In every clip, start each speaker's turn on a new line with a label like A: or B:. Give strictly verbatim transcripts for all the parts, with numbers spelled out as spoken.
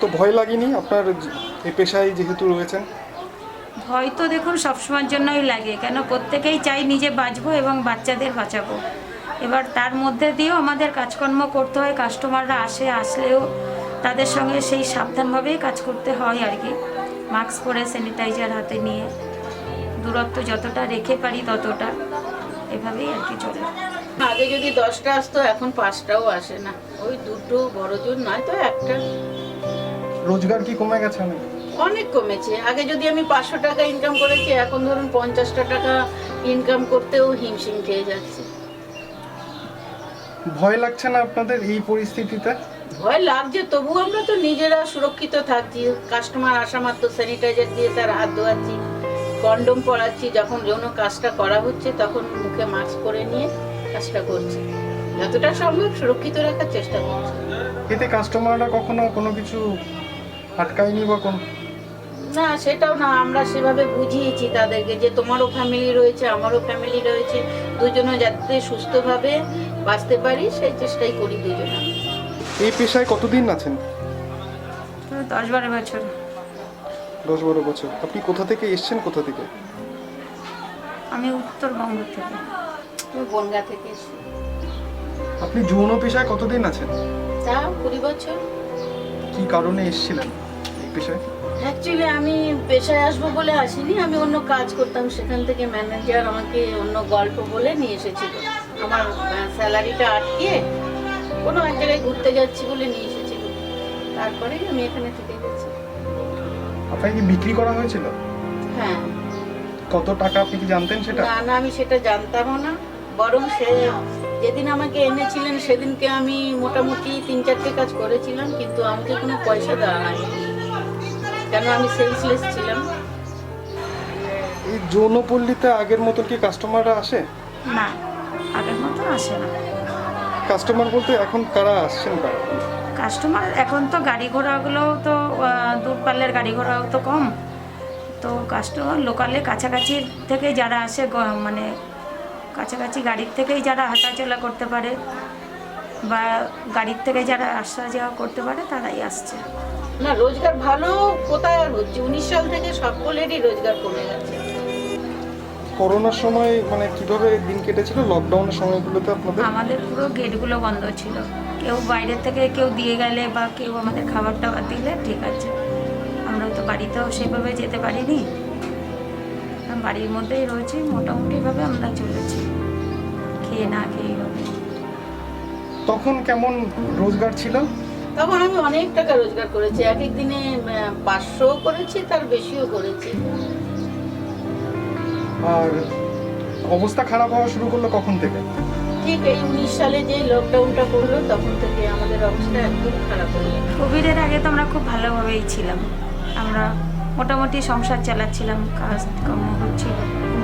A: তো ভয় লাগেনি আপনার এই পেশায় যেহেতু রয়েছেন?
B: ভয় তো দেখুন সবসময়ের জন্যই লাগে, কেন প্রত্যেকেই চাই নিজে বাঁচবো এবং বাচ্চাদের বাঁচাবো। এবার তার মধ্যে দিয়েও আমাদের কাজকর্ম করতে হয়, কাস্টমাররা আসে, আসলেও তাদের সঙ্গে সেই সাবধানভাবেই কাজ করতে হয় আর কি। মাস্ক পরে, স্যানিটাইজার হাতে নিয়ে, দূরত্ব যতটা রেখে পারি ততটা, এভাবেই আর কি চলে।
C: আগে যদি দশটা আসতো এখন পাঁচটাও আসে না, ওই দুটো বড় জোর নয় তো একটা।
A: রোজগার কি কমে গেছে অনেক?
C: অনেক কমেছে। আগে যদি আমি পাঁচশো টাকা ইনকাম করেছি, এখন ধরুন পঞ্চাশটা টাকা ইনকাম করতেও হিমশিম খেয়ে যাচ্ছে।
A: ভয় লাগছে না আপনাদের এই পরিস্থিতিতে?
C: ভয় লাগছে, তবু আমরা তো নিজেরা সুরক্ষিত থাকছি। কাস্টমার আসা মাত্র স্যানিটাইজার দিয়ে তার হাত ধোয়াচ্ছি, কন্ডোম পরাচ্ছি, যখন যৌন কাজটা করা হচ্ছে তখন মুখে মাস্ক পরে নিয়ে কাজটা করছি। যতটা সম্ভব সুরক্ষিত রাখার চেষ্টা করছি।
A: এতে কাস্টমাররা কখনো কোনো কিছু আটকায়নি বা কোন?
C: না, সেটাও না, আমরা সেভাবে বুঝিয়েছি তাদেরকে যে তোমারও ফ্যামিলি রয়েছে, আমারও ফ্যামিলি রয়েছে, দুজনে যাতে সুস্থভাবে বাঁচতে পারি সেই চেষ্টাই করি দুজনে।
A: এই পেশায় কতদিন আছেন?
B: তো দশ বারো বছর।
A: দশ বারো বছর। আপনি কোথা থেকে এসছেন, কোথা থেকে?
B: আমি উত্তরবঙ্গ থেকে।
C: আমি বনগা থেকে এসেছি।
A: আপনি যৌন পেশায় কতদিন আছেন?
C: তা কুড়ি বছর।
A: কি কারণে এসেছিলেন এই পেশায়?
C: অ্যাকচুয়ালি আমি পেশায় আসবো বলে আসিনি, আমি অন্য কাজ করতাম, সেখান থেকে ম্যানেজার আমাকে অন্য গল্প বলে নিয়ে এসেছিল। আমার স্যালারিটা আটকে কোনো এক জায়গায় ঘুরতে যাচ্ছি বলে নিয়ে এসেছিল, তারপরেই আমি এখানে থেকে গেছি।
A: আপনাকে কি বিক্রি করা হয়েছিল?
C: হ্যাঁ।
A: কত টাকা আপনি কি জানতেন সেটা?
C: না না, আমি সেটা জানতামও না, বরং সে যেদিন আমাকে এনেছিলেন সেদিনকে আমি মোটামুটি তিন চারটে কাজ করেছিলাম, কিন্তু আমাকে কোনো পয়সা দেওয়া হয়নি, কেন আমি সেলসলেস ছিলাম।
A: এই যৌনপল্লীতে আগের মতো কি কাস্টমাররা আসে?
B: না, আগের মতো আসে না।
A: কাস্টমার বলতে এখন কারা আসছেন, কারা?
B: কাস্টমার এখন তো গাড়ি ঘোড়াগুলো তো আহ, দূরপাল্লের গাড়ি ঘোড়াও তো কম, তো কাস্টমার লোকালে কাছাকাছি থেকে যারা আসে, গ- মানে কাছাকাছি গাড়ির থেকেই যারা হাঁটাচলা করতে পারে বা গাড়ির থেকে যারা আসা যাওয়া করতে পারে তারাই আসছে।
C: না, রোজগার ভালো কোথায় আর হচ্ছে, উনিশ সাল থেকে সকলেরই রোজগার কমে গেছে।
A: করোনার সময় মানে কিভাবে দিন কেটেছিল, লকডাউনের সময়গুলোতে আপনাদের?
B: আমাদের পুরো গেটগুলো বন্ধ ছিল, কেউ বাইরের থেকে কেউ দিয়ে গেলে বা কেউ আমাদের খাবার টাবার দিলে ঠিক আছে, আমরা তো বাড়িতেও সেভাবে যেতে পারিনি, বাড়ির মধ্যেই রয়েছি, মোটামুটিভাবে আমরা চলেছি, খেয়ে না খেয়ে হবে।
A: তখন কেমন রোজগার ছিল?
C: তখন আমি অনেক টাকা রোজগার করেছি, এক এক দিনে পাঁচশো করেছি, তার বেশিও করেছি।
A: আর অবস্থা খারাপ হওয়া শুরু করলো কখন থেকে?
C: ঠিক এই উনিশ সালে যে লকডাউনটা পড়লো তখন থেকে আমাদের অবস্থা একদম খারাপ হয়ে গেল।
B: কোভিডের আগে তো আমরা খুব ভালোভাবেই ছিলাম, আমরা মোটামুটি সংসার চালাচ্ছিলাম, কাজ কর্ম হচ্ছিল।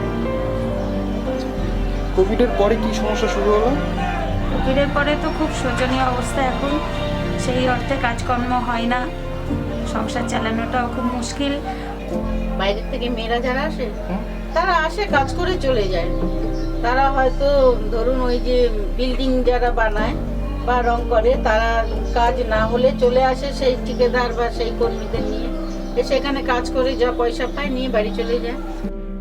A: কোভিডের পরে কি সমস্যা শুরু হলো?
B: কোভিডের পরে তো খুব শোচনীয় অবস্থা এখন, সেই অর্থে কাজকর্ম হয় না, সংসার চালানোটাও খুব মুশকিল।
C: বাইরের থেকে মেয়েরা যারা আসে
A: হুম?
C: তারা আসে কাজ করে চলে যায়, তারা হয়তো ধরুন ওই যে বিল্ডিং যারা বানায় বা রং করে, তারা কাজ না হলে চলে আসে সেই ঠিকাদার বা সেই কর্মীদের নিয়ে, এসে এখানে কাজ করে যা পয়সা পায় নিয়ে বাড়ি চলে যায়।